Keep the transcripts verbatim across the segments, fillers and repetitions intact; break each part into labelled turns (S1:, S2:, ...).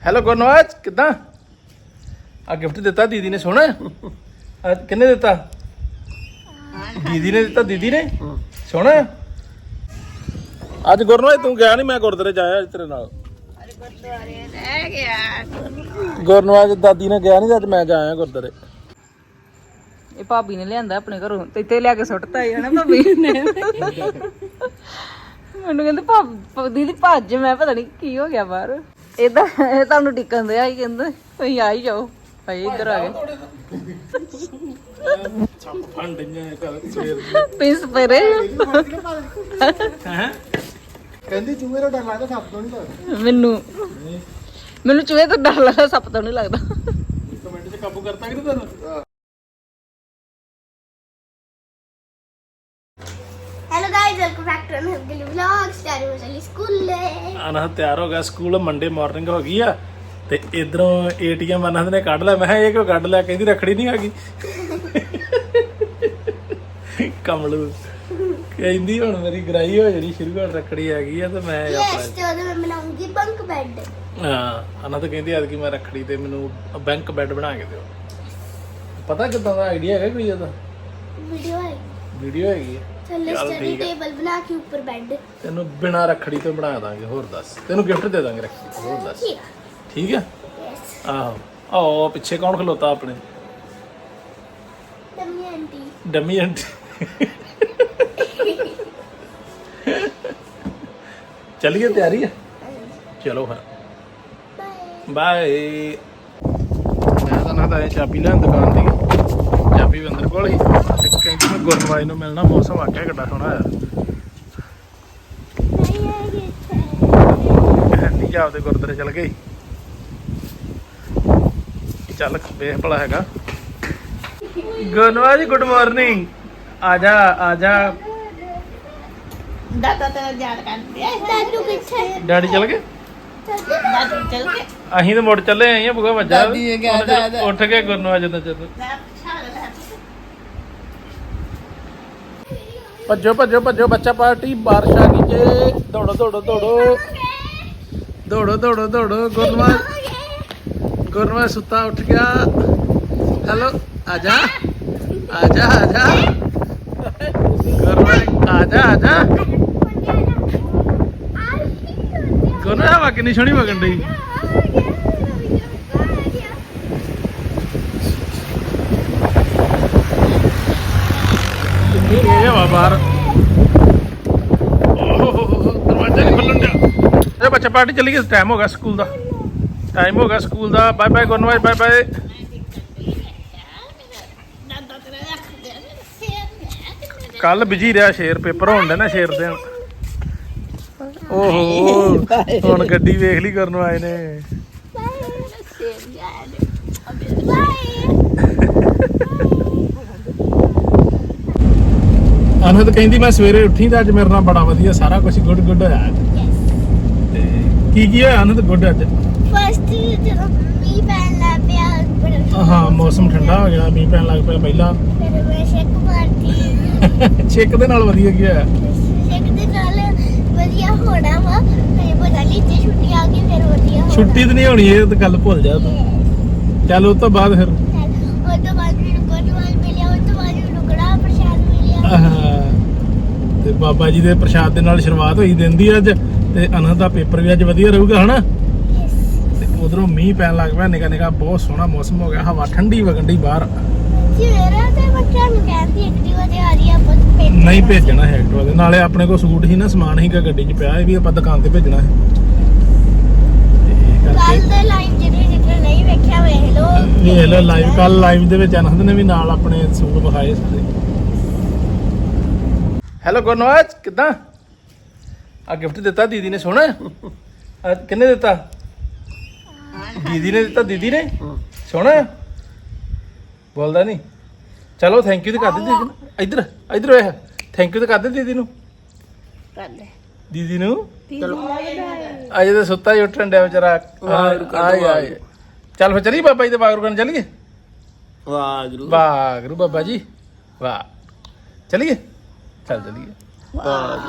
S1: Hello Gurnawaz ਕਿੱਦਾਂ ਆ gift ਦਿੱਤਾ ਦੀਦੀ ਨੇ ਸੋਹਣਾ ਆ ਕਿੰਨੇ ਦਿੱਤਾ ਦੀਦੀ ਨੇ ਦਿੱਤਾ ਦੀਦੀ ਨੇ ਸੋਹਣਾ ਅੱਜ ਗੁਰਨਵਾਜ ਤੂੰ ਗਿਆ ਨਹੀਂ ਮੈਂ ਗੁਰਦੁਆਰੇ ਜਾਇਆ ਅੱਜ ਤੇਰੇ ਨਾਲ
S2: ਗੁਰਦੁਆਰੇ ਰਹਿ ਗਿਆ
S1: ਗੁਰਨਵਾਜ ਦਾਦੀ ਨੇ ਗਿਆ ਨਹੀਂ ਅੱਜ ਮੈਂ ਜਾਇਆ ਗੁਰਦੁਆਰੇ
S2: ਇਹ ਭਾਬੀ ਨੇ ਲਿਆਂਦਾ ਆਪਣੇ ਘਰੋਂ ਤੇ ਇੱਥੇ ਲਿਆ ਕੇ ਸੁੱਟਤਾ ਹੀ ਹੈ ਨਾ ਭਾਬੀ ਨੇ ਮੈਨੂੰ ਕਹਿੰਦੇ ਭਾਬ ਦੀਦੀ ਭੱਜ ਮੈਂ ਪਤਾ ਨਹੀਂ ਕੀ ਹੋ ਗਿਆ ਬਾਹਰ ਏਦਾਂ ਇਹ ਤੁਹਾਨੂੰ ਟਿਕਣ ਦਿਆ ਹੀ ਕਹਿੰਦੇ ਤੁਸੀਂ ਆ ਹੀ ਜਾਓ ਭਾਈ ਇੱਧਰ ਆ ਗਏ ਪਿੰਸ ਪਰੇ
S1: ਹੈ ਕਹਿੰਦੀ ਚੂਹੇ ਤੋਂ ਡਰ ਲੱਗਦਾ ਸੱਪ ਤੋਂ ਨਹੀਂ ਲੱਗਦਾ
S2: ਮੈਨੂੰ ਮੈਨੂੰ ਚੂਹੇ ਤੋਂ ਡਰ ਲੱਗਦਾ ਸੱਪ ਤੋਂ ਨਹੀਂ ਲੱਗਦਾ
S1: ਕਮੈਂਟ 'ਚ ਕਾਬੂ ਕਰਤਾ ਕਿ ਤੁਹਾਨੂੰ
S3: hello guys welcome back to another vlog start हो चली स्कूल
S1: ਅਨਹ ਤਿਆਰ ਹੋ ਗਿਆ ਸਕੂਲ ਮੰਡੇ ਮਾਰਨਿੰਗ ਹੋ ਗਈ ਆ ਤੇ ਇਧਰੋਂ ਏਟੀਐਮ ਅਨਹਦ ਨੇ ਕੱਢ ਲਿਆ ਮੈਂ ਕਿਹਾ ਇਹ ਕਿਉਂ ਕੱਢ ਲਿਆ ਕਹਿੰਦੀ ਰੱਖੜੀ ਨਹੀਂ ਹੈਗੀ ਕਮਲੂ ਕਹਿੰਦੀ ਹੁਣ ਮੇਰੀ ਗਰਾਈ ਹੋ ਜਾਣੀ ਸ਼ੁਰੂ ਹੁਣ ਰੱਖੜੀ ਹੈਗੀ ਆ ਤੇ ਮੈਂ
S3: यस तो मैं बनाऊंगी बंक बेड
S1: ਹਾਂ ਅਨਹਦ ਕਹਿੰਦੀ ਅੱਜ ਕਿ ਮੈਂ ਰੱਖੜੀ ਤੇ ਮੈਨੂੰ ਬੈਂਕ ਬੈੱਡ ਬਣਾ ਕੇ ਦਿਓ ਪਤਾ ਕਿੱਦਾਂ ਦਾ ਆਈਡੀਆ ਹੈਗਾ ਕੋਈ ਇਹਦਾ
S3: वीडियो है
S1: ਵੀਡੀਓ ਹੈਗੀ ਆ
S3: चलो स्टडी टेबल बना के ऊपर बेड
S1: ਤੈਨੂੰ ਬਿਨਾ ਰੱਖੜੀ ਤੋਂ ਬਣਾ ਦਾਂਗੇ ਹੋਰ ਦੱਸ ਤੈਨੂੰ ਗਿਫਟ ਦੇ ਦਾਂਗੇ ਰੱਖੜੀ ਤੇ ਹੋਰ ਦੱਸ
S3: ठीक
S1: ਠੀਕ ਹੈ
S3: यस
S1: ਆਹੋ ਆਹ ਪਿੱਛੇ ਕੌਣ ਖਲੋਤਾ ਆਪਣੇ
S3: टम्मी आंटी
S1: ਡਮੀ ਆਂਟੀ ਚੱਲੀਏ ਤਿਆਰੀ ਹੈ ਚਲੋ ਫਿਰ
S3: बाय
S1: ਬਾਏ ਮੈਂ ਤਾਂ ਨਾ ਤਾਂ ਇਹ ਚਾਬੀ ਲੈਣ ਦੁਕਾਨ ਦੀ ਚਾਬੀ ਵੀ ਅੰਦਰ ਕੋਲ ਹੀ ਤੇ ਕਹਿੰਦੀ ਮੈਂ ਗੁਰਨਵਾਜ ਨੂੰ ਮਿਲਣਾ ਮੌਸਮ ਆਕਿਆ ਕਿੱਡਾ ਸੋਹਣਾ ਯਾਰ ਨਹੀਂ ਜਾ ਆਪਦੇ ਗੁਰਦੁਆਰੇ ਚਲ ਗਈ ਚੱਲ ਵੇਖ ਭਲਾ ਹੈਗਾ ਗੁਰਨਵਾਜ ਗੁੱਡ ਮਾਰਨਿੰਗ ਆ ਜਾ ਆ ਜਾ
S2: ਦਾਦਾ ਤੇਰਾ ਯਾਦ ਕਰਦੇ ਆ
S3: दादू किथे
S1: ਡੈਡੀ ਚਲ ਗਏ
S2: ਦਾਦੂ ਚੱਲ ਕੇ
S1: ਅਸੀਂ ਤਾਂ ਮੁੜ ਚੱਲੇ ਆਏ ਆ ਬੁਗਾ ਵੱਜਾ
S2: ਦਾਦੀ ਨੇ ਕਿਹਾ
S1: ਉਹਨੇ
S2: ਦਾਦਾ।
S1: ਉੱਠ ਕੇ ਗੁਰਨਵਾਜ ਦਾ ਚੱਲ ਭੱਜੋ ਭੱਜੋ ਭੱਜੋ ਬੱਚਾ ਪਾਰਟੀ ਬਾਰਿਸ਼ ਆ ਗਈ ਜੇ ਦੌੜੋ ਦੌੜੋ ਦੌੜੋ ਦੌੜੋ ਦੌੜੋ ਦੌੜੋ ਗੁਰਨਵਾਜ ਗੁਰਨਵਾਜ ਸੁੱਤਾ ਉੱਠ ਗਿਆ ਹੈਲੋ ਆ ਜਾ ਆ ਜਾ ਆ ਜਾ ਗੁਰਨਵਾਜ ਆ ਜਾ ਆ ਜਾ ਗੁਰਨਵਾਜ ਹਵਾ ਕਿੰਨੀ ਸੋਹਣੀ ਵਗਣ ਡਈ ਇਹ ਹਵਾ ਬਾਹਰ ਦਰਵਾਜ਼ਾ ਨਹੀਂ ਖੁੱਲਣ ਡਿਆ ਇਹ ਬੱਚਾ ਪਾਰਟੀ ਚਲੀ ਗਈ ਟਾਈਮ ਹੋ ਗਿਆ ਸਕੂਲ ਦਾ ਟਾਈਮ ਹੋ ਗਿਆ ਸਕੂਲ ਦਾ bye bye Gurnawaz bye bye ਕੱਲ ਬਿਜੀ ਰਿਹਾ ਸ਼ੇਰ ਪੇਪਰ ਹੋਣ ਦੇ ਨਾ ਸ਼ੇਰ ਦੇ ਓਹੋ ਹੁਣ ਗੱਡੀ ਵੇਖ ਲਈ ਗੁਰਨਵਾਜ ਨੇ ਅਨਹਦ ਕਹਿੰਦੀ ਮੈਂ ਸਵੇਰੇ ਉੱਠੀ ਤਾਂ ਅੱਜ ਮੇਰੇ ਨਾਲ ਬੜਾ ਵਧੀਆ ਸਾਰਾ ਕੁਝ ਗੁੱਡ ਗੁੱਡ ਹੋਇਆ ਤੇ ਕੀ ਕੀ ਹੋਇਆ ਅਨਹਦ ਗੁੱਡ ਅੱਜ
S3: फर्स्ट जो मी पहन ला पिया
S1: ਹਾਂ ਮੌਸਮ ਠੰਡਾ ਹੋ ਗਿਆ ਮੀਂਹ ਪੈਣ ਲੱਗ ਪਿਆ ਪਹਿਲਾਂ
S3: फिर मैं शेक मारती
S1: ਛਿੱਕ ਦੇ ਨਾਲ ਵਧੀਆ ਕੀ ਹੋਇਆ
S3: शेक दे नाल ਵਧੀਆ ਹੋਣਾ ਵਾ ਮੈਂ ਪਤਾ ਨਹੀਂ ਜੇ ਛੁੱਟੀ ਆ ਗਈ ਫਿਰ ਵਧੀਆ ਹੋਣਾ
S1: ਛੁੱਟੀ ਤਾਂ ਨਹੀਂ ਹੋਣੀ ਇਹ ਤਾਂ ਗੱਲ ਭੁੱਲ ਜਾ ਤੂੰ ਚੱਲ ਉਸ ਤੋਂ ਬਾਅਦ ਫਿਰ
S3: ਉਹ ਤੋਂ ਬਾਅਦ ਮੈਨੂੰ ਗੁਰਨਵਾਜ ਮਿਲਿਆ ਉਹ ਤੋਂ ਬਾਅਦ ਮੈਨੂੰ ਕੜਾ ਪ੍ਰਸ਼ਾਦ ਮਿਲਿਆ
S1: ਆਹ, ਤੇ ਬਾਬਾ ਜੀ ਦੇ ਪ੍ਰਸ਼ਾਦ ਦੇ ਨਾਲ ਸ਼ੁਰੂਆਤ ਹੋਈ ਦਿਨ ਦੀ ਅੱਜ ਤੇ ਅਨਹਦ ਦਾ ਪੇਪਰ ਵੀ ਅੱਜ ਵਧੀਆ ਰਹੂਗਾ ਹਨਾ ਤੇ ਉਧਰੋਂ ਮੀਂਹ ਪੈਣ ਲੱਗ ਪਿਆ ਨਿਕਾ ਨਿਕਾ ਬਹੁਤ ਸੋਹਣਾ ਮੌਸਮ ਹੋ ਗਿਆ ਹਵਾ ਠੰਡੀ ਵਗੰਡੀ ਬਾਹਰ
S3: ਸਵੇਰੇ ਤੇ ਬੱਚਾ ਨੂੰ ਕਹਿੰਦੀ ਐਕਟਿਵਾ ਤੇ ਆ ਰਹੀ ਆ ਪੁੱਤ ਪੇਪਰ
S1: ਨਹੀਂ ਭੇਜਣਾ ਹੈ ਐਕਟਿਵਾ ਦੇ ਨਾਲੇ ਆਪਣੇ ਕੋਲ ਸੂਟ ਸੀ ਨਾ ਸਮਾਨ ਸੀਗਾ ਗੱਡੀ 'ਚ ਪਿਆ ਇਹ ਵੀ ਆਪਾਂ ਦੁਕਾਨ ਤੇ ਭੇਜਣਾ ਹੈ ਤੇ
S3: ਕੱਲ
S1: ਕਰਕੇ
S3: ਦੇ ਲਾਈਵ ਜਿਹੜੇ ਜਿਹੜੇ ਨਹੀਂ ਵੇਖਿਆ ਵੇਖ ਲੋ
S1: ਇਹ ਲੋ ਲਾਈਵ ਕੱਲ ਲਾਈਵ ਦੇ ਵਿੱਚ ਅਨਹਦ ਨੇ ਵੀ ਨਾਲ ਆਪਣੇ ਸੂਟ ਵਿਖਾਏ ਸਾਰੇ ਹੈਲੋ ਗੁਰਨਵਾਜ ਕਿੱਦਾਂ ਆ ਗਿਫਟ ਦਿੱਤਾ ਦੀਦੀ ਨੇ ਸੋਹਣਾ ਆ ਕਿੰਨੇ ਦਿੱਤਾ ਦੀਦੀ ਨੇ ਦਿੱਤਾ ਦੀਦੀ ਨੇ ਸੋਹਣਾ ਬੋਲਦਾ ਨਹੀਂ ਚਲੋ ਥੈਂਕ ਯੂ ਤੇ ਕਰ ਦੇ ਦੀਦੀ ਨੂੰ ਇੱਧਰ ਇੱਧਰ ਵੇਖ ਥੈਂਕ ਯੂ ਤੇ ਕਰ ਦੇ ਦੀਦੀ ਨੂੰ
S2: ਕਰ ਲੈ
S1: ਦੀਦੀ ਨੂੰ ਅਜੇ ਤਾਂ ਸੁੱਤਾ ਹੀ ਉੱਠਣ ਡਿਆ ਵਿਚਾਰਾ ਆਏ ਆਏ ਚੱਲ ਫਿਰ ਚਲੀ ਬਾਬਾ ਜੀ ਦੇ ਬਾਗਰੂ ਕਰਨ ਚੱਲੀਏ
S4: ਵਾਹਿਗੁਰੂ
S1: ਵਾਹਿਗੁਰੂ ਬਾਬਾ ਜੀ ਵਾਹ ਚਲੀਏ ਚੱਲ ਚਲੀਏ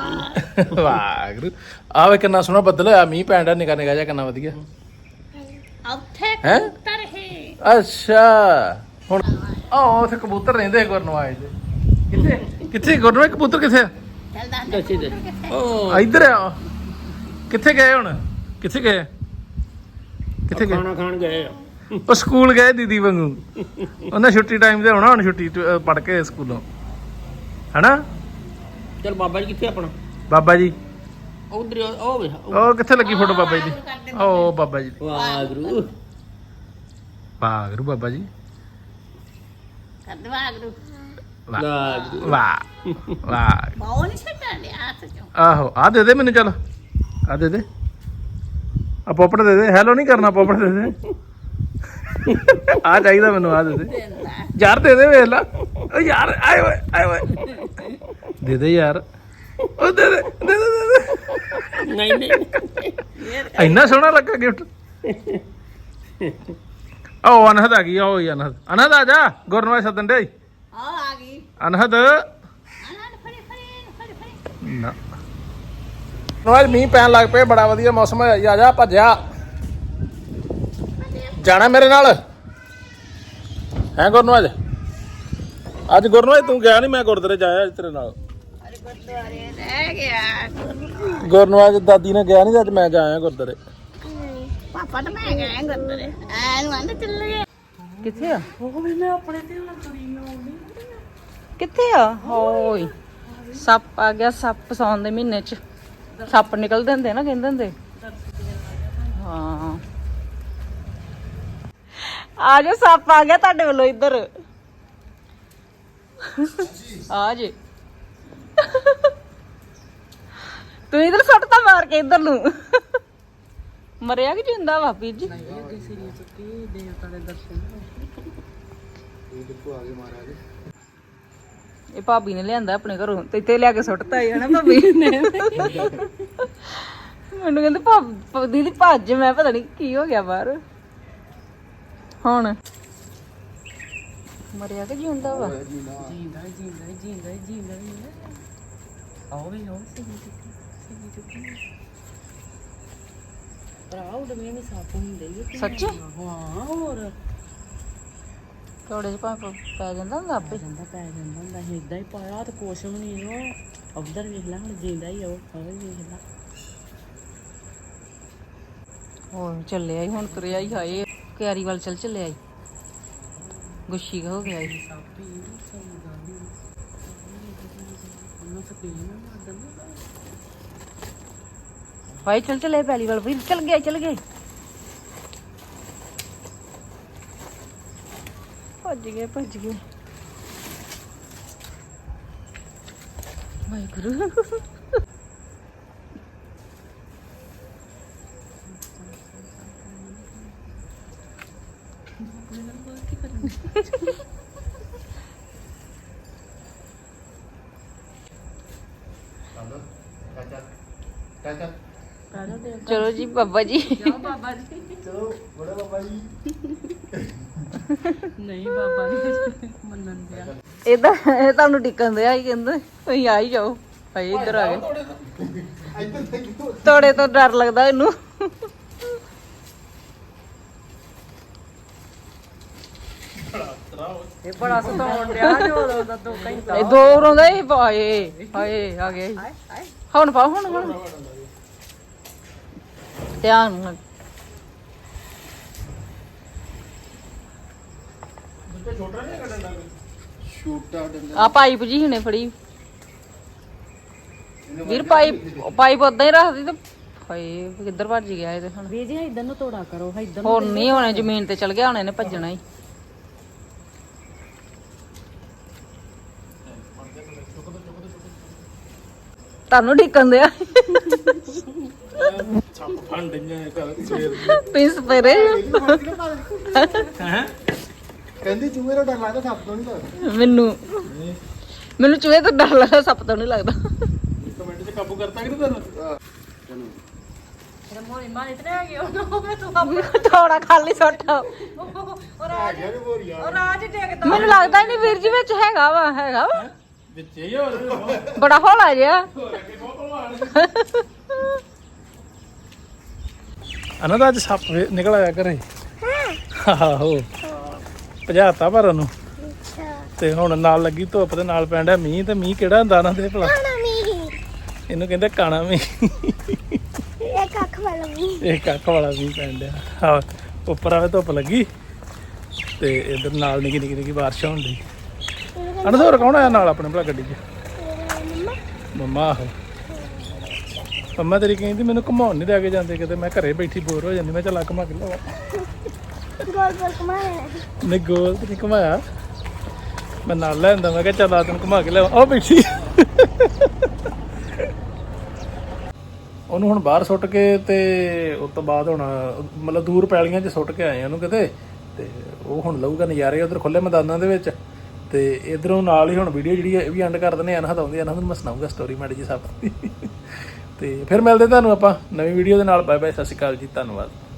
S4: ਵਾਹਿਗੁਰੂ
S1: ਵਾਹਿਗੁਰੂ ਆਵੇ ਕਿੰਨਾ ਸੋਹਣਾ ਬੱਦਲ ਹੋਇਆ ਮੀਂਹ ਪੈਣ ਦਾ ਨਿਕਾ ਨਿਕਾ ਜਿਹਾ ਕਿੰਨਾ ਵਧੀਆ
S3: ਉੱਥੇ
S1: ਹੈ
S3: ਕਬੂਤਰ ਹੈ
S1: ਅੱਛਾ ਹੁਣ ਆਹ ਉੱਥੇ ਕਬੂਤਰ ਰਹਿੰਦੇ ਗੁਰਨਵਾਜ ਦੇ ਕਿੱਥੇ ਕਿੱਥੇ ਗੁਰਨਵਾਜ ਕਬੂਤਰ ਕਿੱਥੇ ਆ
S3: ਚੱਲ ਦੱਸ
S4: ਦੱਸੀ ਦੇ
S1: ਆ, ਇੱਧਰ ਆ ਕਿੱਥੇ ਗਏ ਹੁਣ ਕਿੱਥੇ ਗਏ ਕਿੱਥੇ ਗਏ
S4: ਖਾਣਾ ਖਾਣ ਗਏ ਆ
S1: ਉਹ ਸਕੂਲ ਗਏ ਦੀਦੀ ਵਾਂਗੂ ਉਹਨਾਂ ਛੁੱਟੀ ਟਾਈਮ ਤੇ ਹੋਣਾ ਹੁਣ ਛੁੱਟੀ ਪੜ ਕੇ ਸਕੂਲੋਂ ਹਨਾ
S4: ਚਲ ਬਾਬਾ ਜੀ ਕਿੱਥੇ ਆਪਣਾ
S1: ਬਾਬਾ ਜੀ
S4: ਉਧਰ ਉਹ ਵੇ
S1: ਉਹ ਕਿੱਥੇ ਲੱਗੀ ਫੋਟੋ ਬਾਬਾ ਜੀ ਦੀ ਉਹ ਬਾਬਾ ਜੀ ਦੀ।
S4: ਵਾਹਿਗੁਰੂ
S1: ਵਾਹਿਗੁਰੂ ਬਾਬਾ ਜੀ
S3: ਕਰ ਦਵਾ ਗੁਰੂ
S1: ਵਾਹ
S4: ਵਾਹਿਗੁਰੂ
S1: ਵਾਹ ਵਾਹ
S3: ਬਾਉ ਨਹੀਂ ਛੱਡਣ ਡਿਆ ਹੱਥ ਚੋਂ
S1: ਆਹੋ ਆ ਦੇ ਦੇ ਮੈਨੂੰ ਚੱਲ ਆ ਦੇ ਦੇ ਆ ਪੋਪੜ ਦੇ ਦੇ ਹੈਲੋ ਨਹੀਂ ਕਰਨਾ ਪੋਪੜ ਦੇ ਦੇ ਆ ਚਾਹੀਦਾ ਮੈਨੂੰ ਆ ਦੇ ਦੇ ਯਾਰ ਦੇ ਦੇ ਵੇਖ ਲਾ ਓ ਯਾਰ ਆਏ ਓਏ ਆਏ ਓਏ ਦੇ ਦੇ ਯਾਰ ਉਹ ਦੇ ਦੇ ਦੇ ਦੇ ਦੇ ਦੇ
S4: ਨਹੀਂ ਨਹੀਂ
S1: ਇੰਨਾ ਸੋਹਣਾ ਲੱਗਾ ਗਿਫਟ ਆਓ ਅਨਹਦ ਆ ਗਈ ਆਓ ਅਨਹਦ ਅਨਹਦ ਆ ਜਾ ਗੁਰਨਵਾਜ ਸੱਦਣ ਦੇ
S3: ਆ ਆ ਗਈ
S1: ਅਨਹਦ
S3: ਆਨੰਦ ਫੜੀ ਫੜੀ ਫੜੀ ਫੜੀ
S1: ਨਾ ਨਵਾਜ ਮੀਂਹ ਪੈਣ ਲੱਗ ਪਏ ਬੜਾ ਵਧੀਆ ਮੌਸਮ ਹੋਇਆ ਆ ਜਾ ਭੱਜਿਆ ਜਾਣਾ ਮੇਰੇ ਨਾਲ ਹੈ ਗੁਰਨਵਾਜ ਅੱਜ ਗੁਰਨਵਾਜ ਤੂੰ ਗਿਆ ਨਹੀਂ ਮੈਂ ਗੁਰਦੁਆਰੇ ਜਾਇਆ ਅੱਜ ਤੇਰੇ ਨਾਲ
S3: ਅਰੇ ਗੁਰਦੁਆਰੇ ਰਹਿ ਗਿਆ
S1: ਗੁਰਨਵਾਜ ਦਾਦੀ ਨੇ ਗਿਆ ਨਹੀਂ ਅੱਜ ਮੈਂ ਜਾਇਆ ਗੁਰਦੁਆਰੇ
S3: ਪਾਪਾ ਤਾਂ ਮੈਂ ਗਏ ਗੁਰਦੁਆਰੇ ਐ ਨੂੰ ਆਂਦੇ ਚੱਲ ਗਏ
S2: ਕਿੱਥੇ ਆ ਉਹ ਮੈਂ ਆਪਣੇ ਤੇ ਕਿੱਥੇ ਆ ਹੋਏ ਸੱਪ ਆ ਗਿਆ ਸੱਪ ਸੌਣ ਦੇ ਮਹੀਨੇ ਚ ਸੱਪ ਨਿਕਲਦੇ ਹੁੰਦੇ ਨਾ ਕਹਿੰਦੇ ਹੁੰਦੇ ਹਾਂ ਆ ਜਾ ਸੱਪ ਆ ਗਿਆ ਤੁਹਾਡੇ ਵੱਲੋਂ ਇੱਧਰ ਆ ਜੇ ਤੂੰ ਇਧਰ ਸੁੱਟ ਤਾਂ ਮਾਰ ਕੇ ਇੱਧਰ ਨੂੰ ਮਰਿਆ ਕਿ ਜਿੰਦਾ ਵਾ ਵੀਰ ਜੀ ਇਹ ਭਾਬੀ ਨੇ ਲਿਆਂਦਾ ਆਪਣੇ ਘਰੋਂ ਤੇ ਇੱਥੇ ਲਿਆ ਕੇ ਸੁੱਟਤਾ ਹੀ ਹਨਾ ਭਾਬੀ ਨੇ ਮੈਨੂੰ ਕਹਿੰਦੇ ਭਾਬ ਦੀਦੀ ਭੱਜ ਮੈਂ ਪਤਾ ਨਹੀਂ ਕੀ ਹੋ ਗਿਆ ਬਾਹਰ ਹੁਣ ਮਰਿਆ ਕਿ ਜਿੰਦਾ ਵਾ
S5: ਜਿੰਦਾ ਜਿੰਦਾ ਜਿੰਦਾ ਜਿੰਦਾ ਆਓ ਵੀ ਆਓ ਸੀ ਸੀ ਚੁੱਕੀ ਪ੍ਰਾਊਡ ਮੈਂ ਨਹੀਂ ਸਾਫ ਹੁੰਦੇ ਇਹ
S2: ਸੱਚੀ
S5: ਹਾਂ ਹੋਰ
S2: ਥੋੜੇ ਜਿਹਾ ਪਾਪ ਪੈ ਜਾਂਦਾ ਹੁੰਦਾ ਆਪੇ
S5: ਜਾਂਦਾ ਪੈ ਜਾਂਦਾ ਹੁੰਦਾ ਸੀ ਇਦਾਂ ਹੀ ਪਾਇਆ ਤੇ ਕੁਛ ਵੀ ਨਹੀਂ ਉਹ ਉਧਰ ਵੇਖ ਲੈ ਹੁਣ ਜਿੰਦਾ ਹੀ ਉਹ ਉਹ ਵੇਖ ਲੈ
S2: ਹੋਰ ਚੱਲਿਆ ਹੀ ਹੁਣ ਤੁਰਿਆ ਹੀ ਹਾਏ ਕਿਆਰੀ ਵੱਲ ਚੱਲ ਚੱਲਿਆ ਹੀ ਗੁੱਛੀ ਹੋ ਗਿਆ ਹੀ
S5: ਸਾਪੀ ਸਹੀ ਗੱਲ ਹੀ ਉਹਨੂੰ ਸਕੀਨ ਨਾ ਦੰਦਾ
S2: ਹਾਏ ਚੱਲ ਚੱਲੇ ਪਹਿਲੀ ਵੱਲ ਵੀ ਚੱਲ ਗਿਆ ਚੱਲ ਗਿਆ ਭੱਜ ਗਏ ਭੱਜ ਗਏ ਵਾਹਿਗੁਰੂ ਚਲੋ ਜੀ ਬਾਬਾ ਜੀ
S5: ਬਾਬਾ ਜੀ
S1: ਚਲੋ ਬੜੇ ਬਾਬਾ ਜੀ
S5: ਨਹੀਂ ਬਾਬਾ ਨਹੀਂ ਮੰਨਣ ਦਿਆ
S2: ਇਹਦਾ ਇਹ ਤੁਹਾਨੂੰ ਟਿਕਣ ਦਿਆ ਹੀ ਕਹਿੰਦੇ ਤੁਸੀਂ ਆ ਹੀ ਜਾਓ ਭਾਈ ਇੱਧਰ ਆ ਗਏ ਤੋੜੇ ਤੋਂ ਡਰ ਲੱਗਦਾ ਇਹਨੂੰ
S5: ਇਹ ਬੜਾ ਸਤਾਉਣ ਡਿਆ ਜੋ ਦਾ ਦੋ ਘੰਟਾ
S2: ਇਹ ਦੋ ਰੋਂਦਾ ਹੀ ਹਾਏ ਹਾਏ ਆ ਗਿਆ ਜੀ। ਹੁਣ ਪਾ ਹੁਣ ਹੁਣ ਧਿਆਨ ਨਾਲ ਆ ਪਾਈਪ ਜੀ ਹੁਣੇ ਫੜੀ ਵੀਰ ਪਾਈਪ ਪਾਈਪ ਉਦਾਂ ਹੀ ਰੱਖਦੀ ਤੇ ਹਾਏ ਕਿੱਧਰ ਭੱਜ ਗਿਆ ਇਹ ਤੇ ਹੁਣ
S5: ਵੀ ਜੀ ਇਧਰ ਨੂੰ ਤੋੜਾ ਕਰੋ ਇਧਰ
S2: ਹੋਰ ਨਹੀਂ ਹੋਣੇ ਜ਼ਮੀਨ ਤੇ ਚਲ ਗਿਆ ਹੁਣ ਇਹਨੇ ਭੱਜਣਾ ਹੀ ਤੁਹਾਨੂੰ ਢਿੱਕਣ ਦਿਆ
S1: ਸੱਪ ਫਣ ਡਈਆਂ ਕਰ ਸਵੇਰ
S2: ਪਿੰਸ ਪਰੇ
S1: ਹੈ ਕਹਿੰਦੀ ਚੂਹੇ ਦਾ ਡਰ ਲੱਗਦਾ ਸੱਪ ਤੋਂ ਨਹੀਂ ਲੱਗਦਾ
S2: ਮੈਨੂੰ ਮੈਨੂੰ ਚੂਹੇ ਤੋਂ ਡਰ ਲੱਗਦਾ ਸੱਪ ਤੋਂ ਨਹੀਂ ਲੱਗਦਾ
S1: ਕਮੈਂਟ 'ਚ ਕਾਬੂ ਕਰਤਾ ਕਿ ਨਹੀਂ ਤੈਨੂੰ
S5: ਤੇਰਾ ਮੋਰੀ ਮਾਰੀ ਤੇ ਆ ਗਿਆ ਉਹ ਤੂੰ
S2: ਥੋੜਾ ਖਾਲੀ ਸੁੱਟ
S5: ਉਹ ਰਾਜ ਉਹ ਰਾਜ ਡੇਗਦਾ
S2: ਮੈਨੂੰ ਲੱਗਦਾ ਹੀ ਨਹੀਂ ਵੀਰ ਜੀ ਵਿੱਚ ਹੈਗਾ ਵਾ ਹੈਗਾ ਵਾ
S1: ਵਿੱਚ ਹੀ ਹੋਰ
S2: ਬੜਾ ਹੌਲਾ ਜਿਹਾ
S1: ਅਨੰਦ ਅੱਜ ਸੱਪ ਨਿਕਲ ਆਇਆ ਘਰੇ ਆਹੋ ਭਜਾਤਾ ਪਰ ਉਹਨੂੰ
S3: ਅੱਛਾ
S1: ਤੇ ਹੁਣ ਨਾਲ ਲੱਗੀ ਧੁੱਪ ਤੇ ਨਾਲ ਪੈਣ ਡਿਆ ਮੀਂਹ ਤੇ ਮੀਂਹ ਕਿਹੜਾ ਹੁੰਦਾ ਨਾ ਦੇ ਭਲਾ
S3: ਕਾਣਾ ਮੀ
S1: ਇਹਨੂੰ ਕਹਿੰਦੇ ਕਾਣਾ ਮੀਂਹ
S3: ਇਹ ਕੱਖ ਵਾਲਾ ਮੀ
S1: ਇਹ ਕੱਖ ਵਾਲਾ ਮੀਂਹ ਪੈਣ ਡਿਆ ਹਾਂ ਉੱਪਰ ਆਵੇ ਧੁੱਪ ਲੱਗੀ ਤੇ ਇਧਰ ਨਾਲ ਨਿੱਕੀ ਨਿੱਕੀ ਨਿੱਕੀ ਬਾਰਿਸ਼ ਹੋਣ ਡਈ ਅਨਸੋਰ ਕੌਣ ਆਇਆ ਨਾਲ ਆਪਣੇ ਭਲਾ ਗੱਡੀ 'ਚ
S3: ਮੰਮਾ
S1: ਮੰਮਾ ਆਹੋ ਮੰਮਾ ਤੇਰੀ ਕਹਿੰਦੀ ਮੈਨੂੰ ਘੁਮਾਉਣ ਨਹੀਂ ਲੈ ਕੇ ਜਾਂਦੇ ਕਿਤੇ ਮੈਂ ਘਰੇ ਬੈਠੀ ਬੋਰ ਹੋ ਜਾਂਦੀ ਮੈਂ ਚੱਲ ਘੁਮਾ ਕੇ ਲਿਆਵਾਂ
S3: ਗੋਲ ਗੋਲ ਘੁਮਾ ਲੈਣਾ
S1: ਨਹੀਂ ਗੋਲ ਤੇ ਨਹੀਂ ਘੁਮਾਇਆ ਮੈਂ ਨਾਲ ਲੈ ਆਂਦਾ ਮੈਂ ਕਿਹਾ ਚੱਲ ਆ ਤੈਨੂੰ ਘੁਮਾ ਕੇ ਲਿਆਵਾਂ ਉਹ ਬੈਠੀ ਉਹਨੂੰ ਹੁਣ ਬਾਹਰ ਸੁੱਟ ਕੇ ਤੇ ਉਸ ਤੋਂ ਬਾਅਦ ਹੁਣ ਮਤਲਬ ਦੂਰ ਪੈਲੀਆਂ 'ਚ ਸੁੱਟ ਕੇ ਆਏ ਉਹਨੂੰ ਕਿਤੇ ਤੇ ਉਹ ਹੁਣ ਲਊਗਾ ਨਜ਼ਾਰੇ ਉਧਰ ਖੁੱਲੇ ਮੈਦਾਨਾਂ ਦੇ ਵਿੱਚ ਤੇ ਇਧਰੋਂ ਨਾਲ ਹੀ ਹੁਣ ਵੀਡੀਓ ਜਿਹੜੀ ਇਹ ਵੀ ਐਂਡ ਕਰ ਦਿੰਦੇ ਅਨਹਦ ਆਉਂਦੀ ਅਨਹਦ ਨੂੰ ਮੈਂ ਸੁਣਾਊਗਾ ਸਟੋਰੀ ਮਾੜੀ ਜੀ ਸਭ ਤੇ ਫਿਰ ਮਿਲਦੇ ਤੁਹਾਨੂੰ ਆਪਾਂ ਨਵੀਂ ਵੀਡੀਓ ਦੇ ਨਾਲ ਬਾਏ ਬਾਏ ਸਤਿ ਸ਼੍ਰੀ ਅਕਾਲ ਜੀ ਧੰਨਵਾਦ